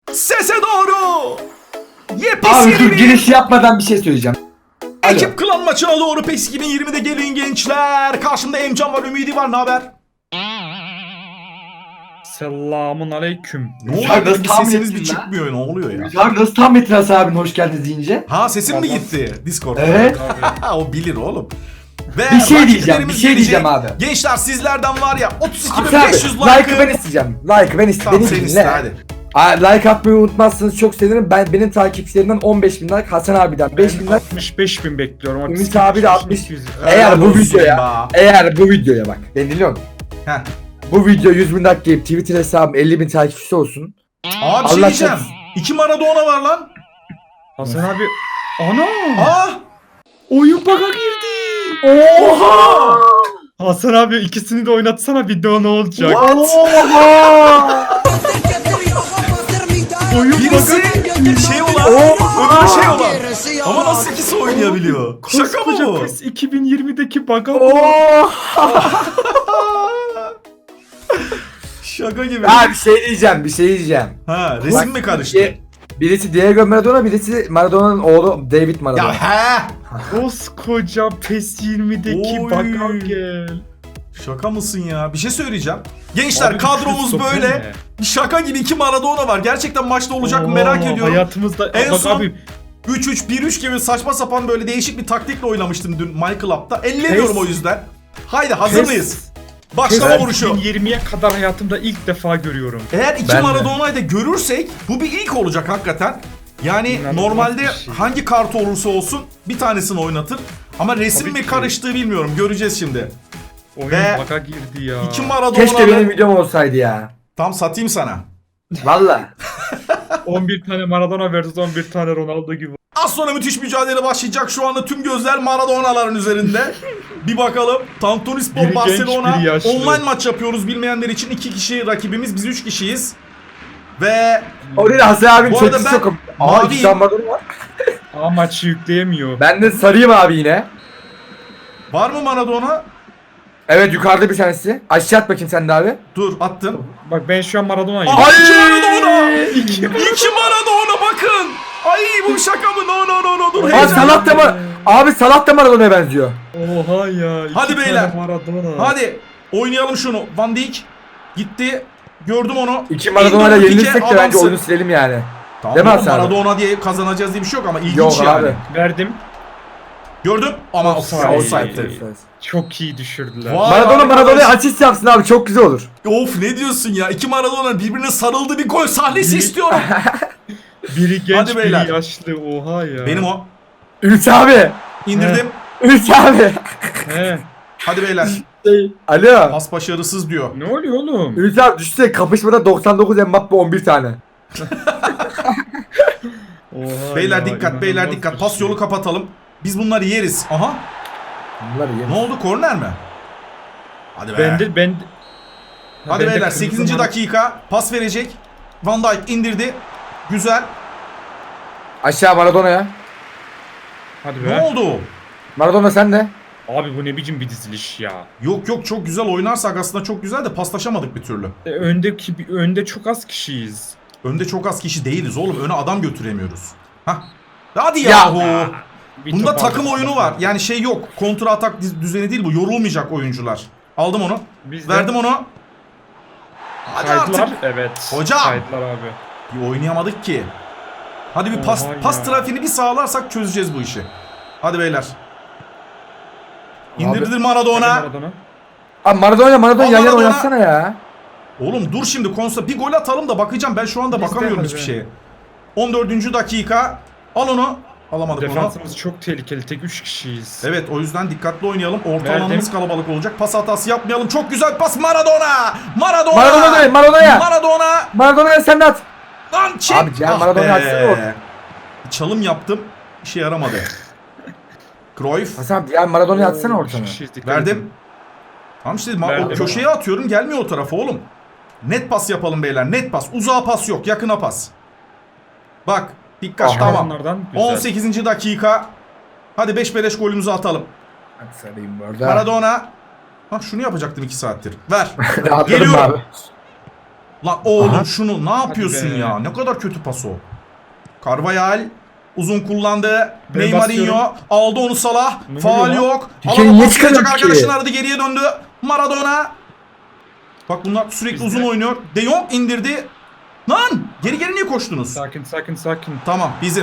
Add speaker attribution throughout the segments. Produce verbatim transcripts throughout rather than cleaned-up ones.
Speaker 1: Sese doğru. Yepyeni
Speaker 2: Abi dur, giriş yapmadan bir şey söyleyeceğim. Alo.
Speaker 1: Ekip klan maçına doğru PES iki bin yirmide gelin gençler. Karşımda Emcan var, Ümidi var. Ne haber?
Speaker 3: Selamun aleyküm.
Speaker 1: Ne oluyor?
Speaker 2: Sen nasıl
Speaker 1: Bir
Speaker 2: tahmin
Speaker 1: sesiniz
Speaker 2: ettin
Speaker 1: bir
Speaker 2: lan?
Speaker 1: çıkmıyor. Ne oluyor ya?
Speaker 2: Abi nasıl tahmin ettin Hasan abinin hoş geldiniz deyince?
Speaker 1: Ha, sesim mi gitti Discord'da?
Speaker 2: Evet.
Speaker 1: O bilir oğlum. Ve
Speaker 2: Bir şey diyeceğim, bir
Speaker 1: rakiplerimiz
Speaker 2: şey diyeceğim
Speaker 1: gelecek.
Speaker 2: abi.
Speaker 1: Gençler sizlerden var ya otuz iki bin
Speaker 2: Hasan abi
Speaker 1: beş yüz
Speaker 2: like'ı
Speaker 1: like'ı.
Speaker 2: ben isteyeceğim. Like'ı ben isteyeceğim.
Speaker 1: Tamam, sen
Speaker 2: Beni
Speaker 1: iste
Speaker 2: dinle.
Speaker 1: hadi.
Speaker 2: Aa, like atmayı unutmazsanız çok sevinirim. Ben benim takipçilerimden on beş bin like, Hasan abiden beş bin like.
Speaker 3: altmış beş bin bekliyorum.
Speaker 2: Ümit abi de altmış.
Speaker 3: yüz.
Speaker 2: Eğer
Speaker 1: Helal
Speaker 2: bu
Speaker 1: olsun
Speaker 2: videoya,
Speaker 1: be.
Speaker 2: eğer bu videoya bak. Ben dinliyorum.
Speaker 1: Heh.
Speaker 2: Bu video yüz bin like gelip Twitter hesabım elli bin takipçisi olsun.
Speaker 1: Abi bir şey
Speaker 2: Allah
Speaker 1: diyeceğim.
Speaker 2: korusun.
Speaker 1: İki Maradona var lan.
Speaker 3: Hasan abi. Ana!
Speaker 1: Ah!
Speaker 3: Oyun bug'a girdi.
Speaker 1: Oha!
Speaker 3: Hasan abi ikisini de oynatsana, video ne olacak?
Speaker 1: What?
Speaker 2: Oha!
Speaker 3: Oyun
Speaker 1: Birisi
Speaker 3: bug'a
Speaker 1: şey olan, öbürü şey olan. Ama nasıl ikisi oynayabiliyor? Şaka mı
Speaker 3: Koskoca
Speaker 1: bu?
Speaker 3: PES iki bin yirmideki bug'a bak.
Speaker 2: Oha!
Speaker 1: Şaka gibi.
Speaker 2: Ya bir şey diyeceğim, bir şey diyeceğim.
Speaker 1: Ha, resim mi karıştı?
Speaker 2: Birisi- Birisi Diego Maradona, birisi Maradona'nın oğlu David Maradona.
Speaker 1: Ya he!
Speaker 3: Koskoca PES yirmideki
Speaker 1: Oy.
Speaker 3: bug'a gel.
Speaker 1: Şaka mısın ya? Bir şey söyleyeceğim. Gençler
Speaker 3: Abi,
Speaker 1: kadromuz
Speaker 3: Christopher
Speaker 1: böyle.
Speaker 3: ne?
Speaker 1: Bir şaka gibi iki Maradona var. Gerçekten maçta olacak mı
Speaker 3: Oo,
Speaker 1: merak ediyorum.
Speaker 3: Hayatımızda
Speaker 1: En
Speaker 3: bak
Speaker 1: son
Speaker 3: abi,
Speaker 1: üç üç bir üç gibi saçma sapan böyle değişik bir taktikle oynamıştım dün My Club'da. Ellemiyorum
Speaker 3: Pes.
Speaker 1: o yüzden. Haydi hazır
Speaker 3: Pes.
Speaker 1: mıyız? Başlama
Speaker 2: Evet.
Speaker 1: vuruşu.
Speaker 3: iki bin yirmiye kadar hayatımda ilk defa görüyorum.
Speaker 1: Eğer iki
Speaker 2: Ben de.
Speaker 1: Maradona'yı da görürsek bu bir ilk olacak hakikaten. Yani
Speaker 3: İnanılmaz
Speaker 1: normalde
Speaker 3: bir şey.
Speaker 1: hangi kartı olursa olsun bir tanesini oynatır. Ama resim
Speaker 3: Tabii
Speaker 1: mi
Speaker 3: ki.
Speaker 1: karıştığı bilmiyorum. Göreceğiz şimdi.
Speaker 3: Oyun
Speaker 1: Ve
Speaker 3: bug'a girdi ya.
Speaker 1: İki Maradona.
Speaker 2: Keşke benim videom olsaydı ya.
Speaker 1: Tam satayım sana.
Speaker 2: Valla.
Speaker 3: on bir tane Maradona versus on bir tane Ronaldo gibi.
Speaker 1: Az sonra müthiş mücadele başlayacak. Şu anda tüm gözler Maradona'ların üzerinde. Bir bakalım. Tantunispor
Speaker 3: Biri genç,
Speaker 1: Barcelona
Speaker 3: biri yaşlı.
Speaker 1: online maç yapıyoruz. Bilmeyenler için iki kişi rakibimiz. Biz üç kişiyiz. Ve
Speaker 2: O değil Hasan abinin
Speaker 1: Bu arada
Speaker 2: çetesi
Speaker 1: ben
Speaker 2: yokum. Aa
Speaker 1: maviyim.
Speaker 2: iki tane Maradona var.
Speaker 3: Aa, maçı yükleyemiyor.
Speaker 2: Ben de sarıyım abi yine.
Speaker 1: var mı Maradona?
Speaker 2: Evet yukarıda bir tanesi. Aşağı at bakayım sen de abi.
Speaker 1: Dur attım.
Speaker 3: Bak ben şu an Maradona'yım.
Speaker 1: Aha, iki Maradona!
Speaker 3: İki.
Speaker 1: İki Maradona bakın. Ay bu şaka mı? No no no no dur.
Speaker 2: Abi
Speaker 1: heyecan.
Speaker 2: Salah da Mar Abi Salah da Maradona'ya benziyor.
Speaker 3: Oha ya. iki
Speaker 1: Hadi
Speaker 3: tane
Speaker 1: beyler.
Speaker 3: Maradona.
Speaker 1: Hadi oynayalım şunu. Van Dijk gitti. Gördüm onu.
Speaker 2: İki Maradona'yla
Speaker 1: İndir,
Speaker 2: yenilirsek de
Speaker 1: Pique,
Speaker 2: bence
Speaker 1: adamsın.
Speaker 2: oyunu silelim yani.
Speaker 1: Tamam,
Speaker 2: Değil mi
Speaker 1: oğlum,
Speaker 2: Hasan abi?
Speaker 1: Maradona diye kazanacağız diye bir şey yok ama ilginç
Speaker 2: Yok
Speaker 1: yani.
Speaker 2: abi.
Speaker 3: Verdim.
Speaker 1: Gördüm ama
Speaker 3: Offside.
Speaker 1: offside.
Speaker 2: Offside.
Speaker 3: Çok iyi düşürdüler.
Speaker 1: Vay
Speaker 2: Maradona
Speaker 1: arkadaş.
Speaker 2: Maradona'ya asist yapsın abi çok güzel olur.
Speaker 1: Of ne diyorsun ya? İki Maradona birbirine sarıldı bir gol sahnesi
Speaker 3: Biri-
Speaker 1: istiyorum.
Speaker 3: Biri genç
Speaker 1: Hadi beyler.
Speaker 3: biri yaşlı. Oha ya.
Speaker 1: Benim o.
Speaker 2: Ümit abi.
Speaker 1: İndirdim.
Speaker 2: Ümit abi.
Speaker 3: He.
Speaker 1: Hadi beyler.
Speaker 2: Alo.
Speaker 1: Pas başarısız diyor.
Speaker 3: Ne oluyor oğlum?
Speaker 2: Ümit abi düşünsene kapışmada doksan dokuz Mbappe on bir tane.
Speaker 3: Oha
Speaker 1: Beyler
Speaker 3: ya,
Speaker 1: dikkat, beyler
Speaker 3: inanılmaz
Speaker 1: dikkat.
Speaker 3: bir
Speaker 1: Pas
Speaker 3: şey.
Speaker 1: yolu kapatalım. Biz bunları yeriz. Aha.
Speaker 2: Bunlar iyi.
Speaker 1: Ne oldu? Korner mi? Hadi be.
Speaker 3: Ben de ben
Speaker 1: Hadi
Speaker 3: ben de
Speaker 1: beyler
Speaker 3: kırmızı
Speaker 1: sekizinci
Speaker 3: Mar-
Speaker 1: dakika. Pas verecek. Van Dijk indirdi. Güzel.
Speaker 2: Aşağı Maradona'ya.
Speaker 3: Hadi
Speaker 1: Ne
Speaker 3: be.
Speaker 1: oldu?
Speaker 2: Maradona sen de.
Speaker 3: Abi bu ne biçim bir diziliş ya.
Speaker 1: Yok yok çok güzel oynarsak aslında çok güzel de paslaşamadık bir türlü.
Speaker 3: E, öndeki önde çok az kişiyiz.
Speaker 1: Önde çok az kişi değiliz oğlum. Öne adam götüremiyoruz. Hah. Hadi
Speaker 2: Ya.
Speaker 1: yahu.
Speaker 3: Bir
Speaker 1: Bunda
Speaker 3: top
Speaker 1: takım
Speaker 3: aldık.
Speaker 1: oyunu var. Yani şey yok. Kontra atak diz- düzeni değil bu. Yorulmayacak oyuncular. Aldım onu.
Speaker 3: Biz de
Speaker 1: Verdim onu. Hadi
Speaker 3: kaydılar.
Speaker 1: artık.
Speaker 3: Evet.
Speaker 1: Hocam.
Speaker 3: Kaydılar abi.
Speaker 1: Bir oynayamadık ki. Hadi bir pas
Speaker 3: Oha
Speaker 1: pas
Speaker 3: ya.
Speaker 1: trafiğini bir sağlarsak çözeceğiz bu işi. Hadi beyler. İndirdir Maradona.
Speaker 3: Hadi Maradona.
Speaker 2: Abi Maradona Maradona
Speaker 1: Al
Speaker 2: yan yana
Speaker 1: Maradona.
Speaker 2: oynatsana ya.
Speaker 1: Oğlum dur şimdi konsa bir gol atalım da bakacağım. Ben şu anda
Speaker 3: Biz de
Speaker 1: bakamıyorum
Speaker 3: hadi
Speaker 1: hiçbir
Speaker 3: be.
Speaker 1: şeye. on dördüncü dakika. Al onu. Alamadık onu.
Speaker 3: Defansımız çok tehlikeli. Tek üç kişiyiz.
Speaker 1: Evet o yüzden dikkatli oynayalım. Orta
Speaker 3: Verdim.
Speaker 1: alanımız kalabalık olacak. Pas hatası yapmayalım. Çok güzel pas Maradona. Maradona.
Speaker 2: Maradona değil Maradona'ya.
Speaker 1: Maradona.
Speaker 2: Maradona'ya sen de at.
Speaker 1: Lan çek.
Speaker 2: Abi Cihan Maradona'yı atsana oğlum.
Speaker 1: Bir çalım yaptım. İşe yaramadı. Cruyff.
Speaker 2: Hasan abi ya Maradona'yı atsana
Speaker 3: Oo, üç
Speaker 2: ortana.
Speaker 3: kişiyiz, dikkat edin.
Speaker 1: Verdim. Tamam işte ma- o
Speaker 3: Verdim
Speaker 1: köşeye atıyorum gelmiyor o tarafa oğlum. Net pas yapalım beyler. Net pas. Uzağa pas yok. Yakına pas. Bak. Dikkat
Speaker 2: Aha.
Speaker 1: tamam.
Speaker 3: Onlardan güzel.
Speaker 1: on sekizinci dakika. Hadi beş beleş golümüzü atalım.
Speaker 2: Hadi sarayım bu arada.
Speaker 1: Maradona. Bak şunu yapacaktım iki saattir. Ver.
Speaker 2: Rahatladım
Speaker 1: Geliyorum.
Speaker 2: abi.
Speaker 1: Lan oğlum
Speaker 2: Aha.
Speaker 1: şunu ne yapıyorsun
Speaker 3: be.
Speaker 1: ya? Ne kadar kötü pas o. Carvajal uzun kullandı.
Speaker 3: Ben
Speaker 1: Neymarinho
Speaker 3: basıyorum.
Speaker 1: aldı onu Salah.
Speaker 3: Ne
Speaker 1: Faul
Speaker 3: oluyor lan?
Speaker 1: yok.
Speaker 2: Dikeni
Speaker 1: Alana
Speaker 2: niye
Speaker 1: pas verecek
Speaker 2: çıkarıyorsun ki?
Speaker 1: arkadaşını aradı, geriye döndü. Maradona. Bak bunlar sürekli
Speaker 3: Bizde.
Speaker 1: uzun oynuyor. De Jong indirdi. Lan geri geri niye koştunuz?
Speaker 3: Sakin sakin sakin.
Speaker 1: Tamam bizim.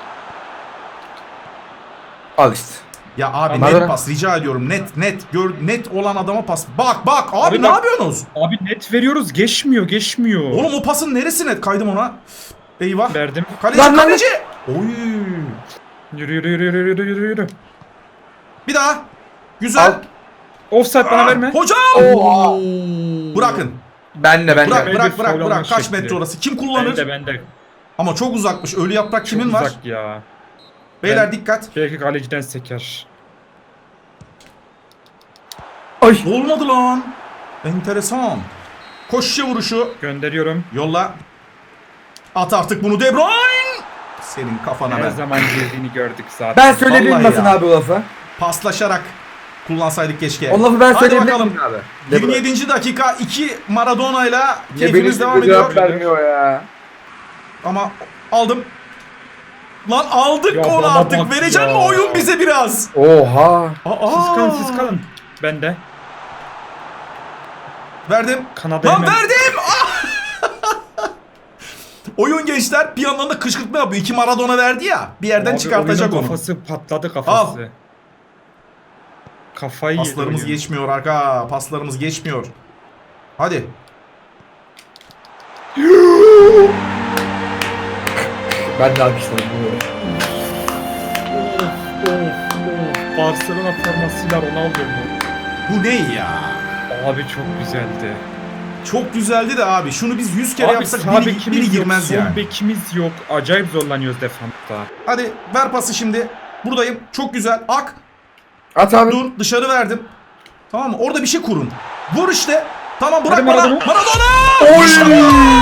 Speaker 2: Al işte.
Speaker 1: Ya abi
Speaker 2: Maradona.
Speaker 1: net pas rica ediyorum. Net net gör net olan adama pas. Bak bak abi,
Speaker 3: Abi
Speaker 1: ne
Speaker 3: bak.
Speaker 1: yapıyorsunuz?
Speaker 3: Abi net veriyoruz geçmiyor geçmiyor.
Speaker 1: Oğlum o pasın neresi net? Kaydım ona. Eyvah.
Speaker 3: Verdim.
Speaker 1: Kaleci
Speaker 2: Lan, lan,
Speaker 1: kaleci. Oy.
Speaker 3: Yürü yürü yürü yürü yürü yürü yürü.
Speaker 1: Bir daha. Güzel.
Speaker 2: Al.
Speaker 3: Offside bana verme.
Speaker 1: Hocam.
Speaker 2: Oha.
Speaker 1: Bırakın.
Speaker 2: Ben de ben
Speaker 1: Bırak
Speaker 2: de.
Speaker 3: Ben
Speaker 1: bırak
Speaker 3: de
Speaker 1: bırak
Speaker 3: faul
Speaker 1: bırak.
Speaker 3: olmak
Speaker 1: Kaç
Speaker 3: şekli.
Speaker 1: metre orası? Kim
Speaker 3: Ben
Speaker 1: kullanır?
Speaker 3: de ben de.
Speaker 1: Ama çok uzakmış. Ölü yaprak kimin
Speaker 3: Çok
Speaker 1: var?
Speaker 3: uzak ya.
Speaker 1: Beyler
Speaker 3: Ben-
Speaker 1: dikkat.
Speaker 3: Belki kaleciden seker.
Speaker 2: Ay.
Speaker 1: Olmadı lan. Enteresan. Koşuşa vuruşu.
Speaker 3: Gönderiyorum.
Speaker 1: Yolla. At artık bunu De Bruyne. Senin kafana
Speaker 3: Her
Speaker 1: ben.
Speaker 3: zaman girdiğini gördük zaten.
Speaker 2: Ben söyleyebilir miyim
Speaker 1: Vallahi
Speaker 2: Hasan
Speaker 1: ya.
Speaker 2: abi o lafı?
Speaker 1: Paslaşarak kullansaydık keşke.
Speaker 2: O lafı ben
Speaker 1: Hadi
Speaker 2: söyleyebilir
Speaker 1: bakalım.
Speaker 2: miyim abi?
Speaker 1: yirmi yedinci dakika iki Maradona ile
Speaker 2: Ya
Speaker 1: keyfimiz
Speaker 2: benim
Speaker 1: devam
Speaker 2: cevap
Speaker 1: ediyor.
Speaker 2: vermiyor ya.
Speaker 1: Ama aldım. Lan aldık
Speaker 3: Ya
Speaker 1: onu
Speaker 3: bana
Speaker 1: artık.
Speaker 3: bak
Speaker 1: Verecek
Speaker 3: ya.
Speaker 1: mi oyun bize biraz?
Speaker 2: Oha.
Speaker 1: Aa,
Speaker 3: Siz kalın siz kalın. Ben de.
Speaker 1: Verdim.
Speaker 3: Kanada
Speaker 1: Lan
Speaker 3: hemen.
Speaker 1: verdim. Ah! Oyun gençler bir yandan da kışkırtma yapıyor. İki Maradona verdi ya. Bir yerden
Speaker 3: Abi
Speaker 1: çıkartacak
Speaker 3: oyunun
Speaker 1: onu.
Speaker 3: Kafası patladı kafası.
Speaker 1: Al.
Speaker 3: Kafayı yedi
Speaker 1: Paslarımız
Speaker 3: oyun.
Speaker 1: geçmiyor arka. Paslarımız geçmiyor. Hadi.
Speaker 2: Ben de alkışladım bunu.
Speaker 3: Of of of. Barcelona formasıyla Ronaldo mu?
Speaker 1: Bu ne ya?
Speaker 3: Abi çok güzeldi.
Speaker 1: Çok güzeldi de abi. Şunu biz yüz kere
Speaker 3: Abi
Speaker 1: yapsak
Speaker 3: sağ
Speaker 1: biri,
Speaker 3: bekimiz
Speaker 1: biri
Speaker 3: yok,
Speaker 1: girmez
Speaker 3: sol
Speaker 1: yani.
Speaker 3: bekimiz yok. Acayip zorlanıyoruz defansta.
Speaker 1: Hadi ver pası şimdi. Buradayım. Çok güzel. Ak.
Speaker 2: At abi.
Speaker 1: Dur. Dışarı verdim. Tamam mı? Orada bir şey kurun. Vur işte. Tamam bırak
Speaker 3: Hadi
Speaker 1: bana.
Speaker 3: Maradona.
Speaker 1: Maradona!
Speaker 2: Oy!
Speaker 1: İşte bu!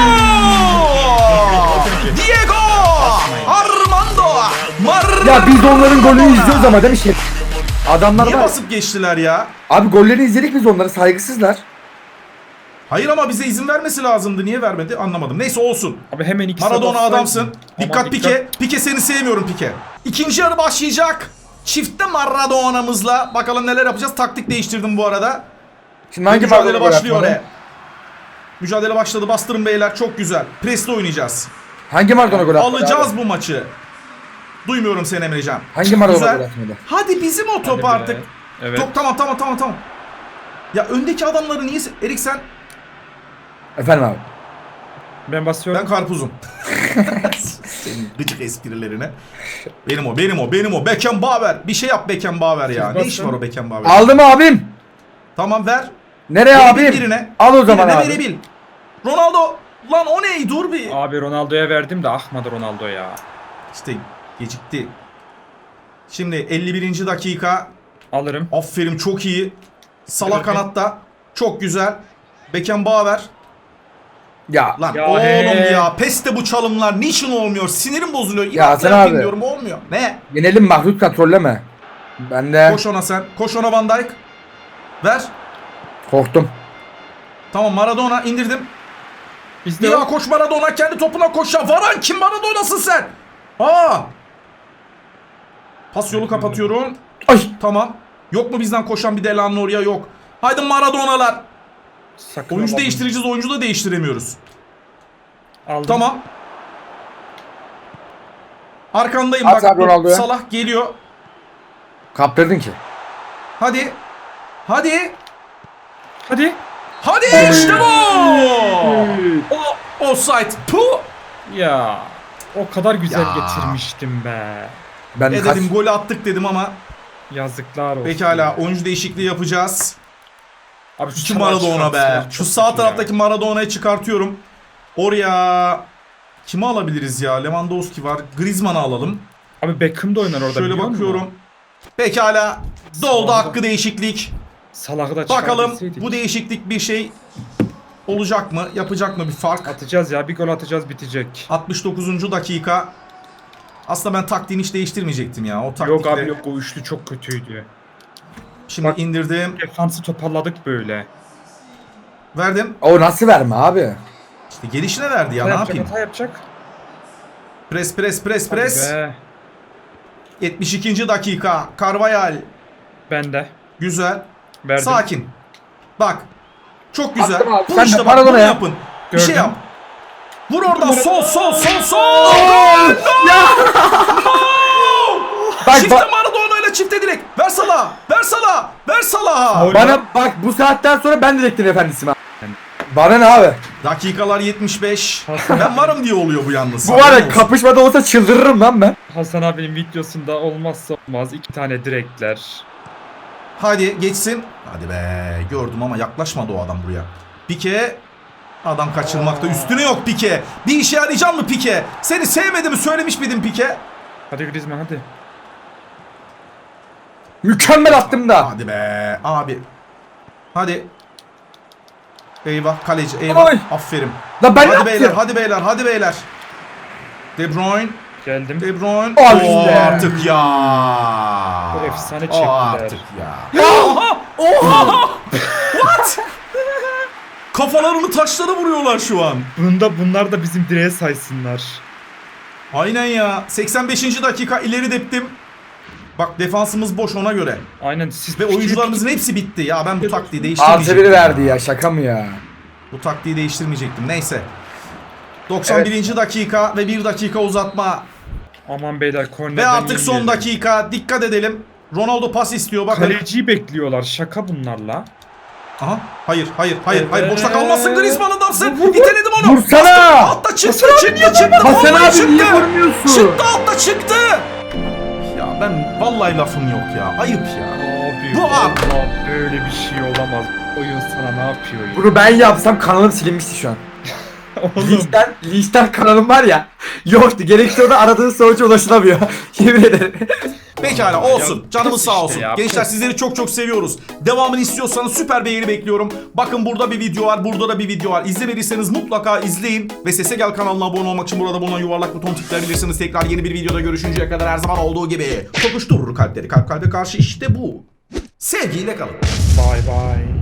Speaker 1: Diego! Armando! Maradona!
Speaker 2: Ya biz onların golünü izliyoruz ama değil mi şey? Adamlar
Speaker 1: Niye
Speaker 2: var.
Speaker 1: basıp geçtiler ya?
Speaker 2: Abi gollerini izledik biz onları, saygısızlar.
Speaker 1: Hayır ama bize izin vermesi lazımdı. Niye vermedi anlamadım. Neyse olsun.
Speaker 3: Abi hemen ikisi
Speaker 1: Maradona
Speaker 3: bassaydın.
Speaker 1: adamsın.
Speaker 3: Aman
Speaker 1: Dikkat Pike. Pike seni sevmiyorum Pike. İkinci yarı başlayacak. Çifte Maradona'mızla. Bakalım neler yapacağız. Taktik değiştirdim bu arada.
Speaker 2: Şimdi hangi
Speaker 1: Mücadele
Speaker 2: Maradona gol
Speaker 1: başlıyor
Speaker 2: atmadı?
Speaker 1: oraya. Mücadele başladı. Bastırın beyler. Çok güzel. Presle oynayacağız.
Speaker 2: Hangi Maradona gol atmadı?
Speaker 1: Alacağız
Speaker 2: abi?
Speaker 1: bu maçı. Duymuyorum seni Emrecan.
Speaker 2: Hangi Maradona
Speaker 1: Güzel.
Speaker 2: gol atmadı?
Speaker 1: Hadi bizim o top
Speaker 3: Hadi be.
Speaker 1: artık.
Speaker 3: Evet.
Speaker 1: Top tamam tamam tamam tamam. Ya öndeki adamları niye... Erik sen...
Speaker 2: Efendim abi.
Speaker 3: Ben basıyorum.
Speaker 1: Ben karpuzum. Senin gıcık esprilerine. Benim o, benim o, benim o. Beckenbauer. Bir şey yap Beckenbauer ya.
Speaker 3: Siz
Speaker 1: Ne
Speaker 3: basın.
Speaker 1: iş var o Beckenbauer?
Speaker 2: Aldım abim.
Speaker 1: Tamam ver.
Speaker 2: Nereye
Speaker 1: Verebil
Speaker 2: abim?
Speaker 1: birine.
Speaker 2: Al o zaman
Speaker 1: Birine
Speaker 2: abi.
Speaker 1: verebil. Ronaldo. Lan o ne? Dur bir.
Speaker 3: Abi Ronaldo'ya verdim de ahmadı Ronaldo ya.
Speaker 1: İşte gecikti. Şimdi elli birinci dakika.
Speaker 3: Alırım.
Speaker 1: Aferin çok iyi. Salah
Speaker 3: Evet.
Speaker 1: kanatta. Çok güzel. Beckenbauer.
Speaker 2: Ya.
Speaker 1: Lan
Speaker 3: Ya
Speaker 1: oğlum
Speaker 3: he.
Speaker 1: ya. Peste bu çalımlar. Niçin olmuyor? Sinirim bozuluyor.
Speaker 2: Ya
Speaker 1: İnatla
Speaker 2: Hasan
Speaker 1: yapayım
Speaker 2: abi.
Speaker 1: diyorum. Olmuyor. Ne?
Speaker 2: Yenelim, mahdut kontrolleme. Ben de
Speaker 1: Koş ona sen. Koş ona Van Dijk. Ver.
Speaker 2: korktum.
Speaker 1: Tamam Maradona indirdim.
Speaker 3: Biz
Speaker 1: Bir
Speaker 3: de
Speaker 1: daha koş Maradona. Kendi topuna koş ya. Varan kim? Maradona'sın sen. Aa. Pas yolu kapatıyorum.
Speaker 2: Ay.
Speaker 1: Tamam. Yok mu bizden koşan bir Delano oraya? Yok. Haydi Maradona'lar.
Speaker 3: sakın
Speaker 1: Oyuncu
Speaker 3: alamadım.
Speaker 1: değiştireceğiz. Oyuncu da değiştiremiyoruz.
Speaker 3: Aldım.
Speaker 1: Tamam. Arkandayım
Speaker 2: At
Speaker 1: bak.
Speaker 2: abi Ronaldo'ya.
Speaker 1: Salah geliyor.
Speaker 2: Kaptırdın ki.
Speaker 1: Hadi. Hadi.
Speaker 3: Hadi.
Speaker 1: Hadi işte bu. O offside. Puh.
Speaker 3: Ya. O kadar güzel
Speaker 1: Ya.
Speaker 3: getirmiştim be.
Speaker 2: Ben
Speaker 1: E
Speaker 2: kaç...
Speaker 1: dedim golü attık dedim ama
Speaker 3: Yazıklar olsun.
Speaker 1: pekala oyuncu değişikliği yapacağız.
Speaker 3: Abi
Speaker 1: Şu
Speaker 3: çalar
Speaker 1: Maradona be.
Speaker 3: çıkartsalar
Speaker 1: Şu
Speaker 3: çok
Speaker 1: sağ
Speaker 3: kötü
Speaker 1: taraftaki
Speaker 3: ya.
Speaker 1: Maradona'yı çıkartıyorum. Oraya kimi alabiliriz ya? Lewandowski var. Griezmann'ı alalım.
Speaker 3: Abi Beckham da oynar orada
Speaker 1: Şöyle
Speaker 3: biliyor
Speaker 1: bakıyorum.
Speaker 3: musun?
Speaker 1: Pekala. Doldu
Speaker 3: Sağda.
Speaker 1: hakkı değişiklik.
Speaker 3: Salah'ı da
Speaker 1: Bakalım
Speaker 3: çıkartabilseydik.
Speaker 1: bu değişiklik bir şey olacak mı? Yapacak mı bir fark?
Speaker 3: Atacağız ya. Bir gol atacağız bitecek.
Speaker 1: altmış dokuzuncu dakika. Aslında ben taktiğini hiç değiştirmeyecektim ya. O taktikle.
Speaker 3: Yok abi yok o üçlü çok kötüydü.
Speaker 1: Şimdi
Speaker 3: Bak-
Speaker 1: indirdim.
Speaker 3: Defansı toparladık böyle.
Speaker 1: Verdim.
Speaker 2: O nasıl verme abi?
Speaker 1: İşte gelişine verdi ya,
Speaker 3: Hata
Speaker 1: ne
Speaker 3: yapacak,
Speaker 1: yapayım?
Speaker 3: hata yapacak.
Speaker 1: Pres pres pres
Speaker 3: Hadi
Speaker 1: pres.
Speaker 3: be.
Speaker 1: yetmiş ikinci dakika. Carvajal.
Speaker 3: Ben de.
Speaker 1: Güzel.
Speaker 3: Verdim.
Speaker 1: Sakin. Bak. Çok güzel.
Speaker 2: Attım abi,
Speaker 1: Bu
Speaker 2: sen de
Speaker 1: işte bak,
Speaker 2: Maradona
Speaker 1: bunu
Speaker 2: ya.
Speaker 1: yapın. Bir şey
Speaker 3: Gördüm.
Speaker 1: yap. Vur oradan, sol sol sol sol.
Speaker 2: Bak
Speaker 1: Çifte
Speaker 2: bak.
Speaker 1: Maradona ile çifte direkt. Ver Salah. Ver Salah. Ver Salah.
Speaker 3: Faul.
Speaker 2: Bana bak, bu saatten sonra ben direktin efendisiyim abi. Bana ne abi?
Speaker 1: Dakikalar yetmiş beş. Ben varım diye oluyor bu yalnız.
Speaker 2: Bu var
Speaker 1: Haberin
Speaker 2: ya,
Speaker 1: olsun.
Speaker 2: kapışmada olsa çıldırırım lan ben.
Speaker 3: Hasan abinin videosunda olmazsa olmaz iki tane direkler.
Speaker 1: Hadi geçsin. Hadi be. Gördüm ama yaklaşmadı o adam buraya. Pike. Adam kaçırmakta üstüne yok Pike. Bir işe yarayacak mı Pike? Seni sevmediğimi söylemiş miydim Pike?
Speaker 3: Hadi Griezmann hadi.
Speaker 2: Mükemmel attım da.
Speaker 1: Hadi be abi. Hadi. Eyvah kaleci eyvah.
Speaker 2: Oy.
Speaker 1: Aferin.
Speaker 2: La ben ne
Speaker 1: Hadi beyler
Speaker 2: yaptım?
Speaker 1: hadi beyler hadi beyler. De Bruyne.
Speaker 3: Geldim.
Speaker 1: De Bruyne.
Speaker 2: Al
Speaker 1: Oo,
Speaker 2: işte.
Speaker 1: artık ya.
Speaker 3: Bu efsane
Speaker 1: O
Speaker 3: çektiler.
Speaker 1: artık ya. Oha! Oha! What? Kafalarını taşlara vuruyorlar şu an.
Speaker 3: Bunda bunlar da bizim direğe saysınlar.
Speaker 1: Aynen ya. seksen beşinci dakika ileri deptim. Bak defansımız boş ona göre.
Speaker 3: Aynen siz
Speaker 1: Ve oyuncularımızın hepsi bitti. Ya ben bu taktiği
Speaker 2: Artı
Speaker 1: değiştirmeyecektim.
Speaker 2: biri verdi ya, şaka mı ya?
Speaker 1: Bu taktiği değiştirmeyecektim. Neyse. doksan birinci dakika ve bir dakika uzatma.
Speaker 3: Aman beyler kornerden
Speaker 1: Ve artık son
Speaker 3: yemeyelim.
Speaker 1: dakika. Dikkat edelim. Ronaldo pas istiyor. Bakın.
Speaker 3: Kaleciyi bekliyorlar. Şaka bunlarla.
Speaker 1: Aha. Hayır, hayır, hayır, hayır.
Speaker 3: Evet.
Speaker 1: Boşta kalmazsın Griezmann adamsın. İteledim onu.
Speaker 2: Vursana!
Speaker 1: Bastım. Altta çıktı, çıktı, çıktı.
Speaker 2: Hasan
Speaker 1: Vallahi
Speaker 2: abi niye
Speaker 1: çıktı.
Speaker 2: vurmuyorsun?
Speaker 1: Çıktı, altta çıktı. Ya ben vallahi lafım yok ya. Ayıp ya.
Speaker 3: Abi
Speaker 1: Bu
Speaker 3: vallahi böyle bir şey olamaz. Oyun sana ne yapıyor ya?
Speaker 2: Bunu ben yapsam kanalım silinmişti şu an.
Speaker 3: Oğlum
Speaker 2: Linçten, linçten kanalım var ya. Yoktu. Gerekli orada aradığın sonuca ulaşılamıyor. Yemin ederim.
Speaker 1: Pekala olsun.
Speaker 3: Ya,
Speaker 1: Canımız
Speaker 3: pes
Speaker 1: sağ
Speaker 3: işte
Speaker 1: olsun.
Speaker 3: ya,
Speaker 1: Gençler
Speaker 3: pes.
Speaker 1: sizleri çok çok seviyoruz. Devamını istiyorsanız süper beğeni bekliyorum. Bakın burada bir video var. Burada da bir video var. İzlemediyseniz mutlaka izleyin. Ve Sese Gel kanalına abone olmak için burada bulunan yuvarlak buton tıklayabilirsiniz. Tekrar yeni bir videoda görüşünceye kadar her zaman olduğu gibi. Tokuşturur kalpleri. Kalp kalbe karşı işte bu. Sevgiyle kalın.
Speaker 3: bye bye.